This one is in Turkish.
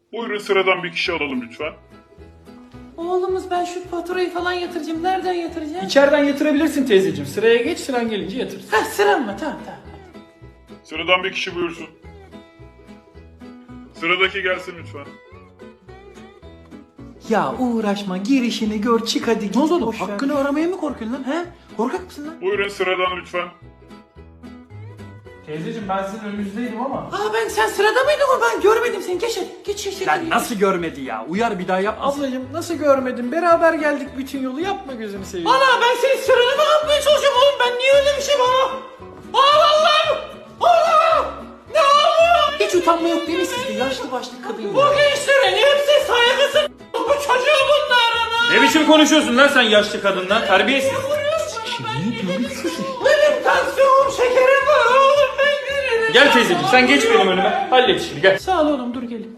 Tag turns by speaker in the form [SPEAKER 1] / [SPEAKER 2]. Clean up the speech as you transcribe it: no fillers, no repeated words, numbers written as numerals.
[SPEAKER 1] Buyurun sıradan bir kişi alalım lütfen.
[SPEAKER 2] Oğlumuz ben şu faturayı falan yatıracağım. Nereden yatıracağım?
[SPEAKER 3] İçeriden yatırabilirsin teyzeciğim. Sıraya geç, sıran gelince yatır.
[SPEAKER 2] Ha sıram mı? Tamam.
[SPEAKER 1] Sıradan bir kişi buyursun. Sıradaki gelsin lütfen.
[SPEAKER 2] Ya uğraşma girişini gör çık hadi. Ne oldu oğlum?
[SPEAKER 3] Boş ver.
[SPEAKER 2] Hakkını aramaya mı korkuyorsun lan? He? Korkak mısın lan?
[SPEAKER 1] Buyurun sıradan lütfen.
[SPEAKER 3] Teyzeciğim ben sizin önünüzdeydim ama.
[SPEAKER 2] Aa sen sırada mıydın o? Ben görmedim seni. Geç hadi. Geç.
[SPEAKER 3] Lan nasıl görmedi ya? Uyar bir daha yapmasın. Ablacığım nasıl görmedin? Beraber geldik bütün yolu. Yapma gözünü seveyim.
[SPEAKER 2] Ana ben senin sıranı mı yapmaya çalışıyorum oğlum? Ben niye öyle bir şey bana? Allah'ım! Allah! Ne oluyor? Hiç utanma yok değil mi sizde? Yaşlı başlı kadın. Bu gençlerin hepsi saygısız. Bu çocuğu bunların.
[SPEAKER 3] Ne biçim konuşuyorsun lan sen yaşlı kadından? Terbiyesiz.
[SPEAKER 2] Benim tansiyonum şekerim var oğlum ben veririm.
[SPEAKER 3] Gel teyzeciğim sen geç benim önüme. Hallet işini gel.
[SPEAKER 2] Sağ ol oğlum dur gelin.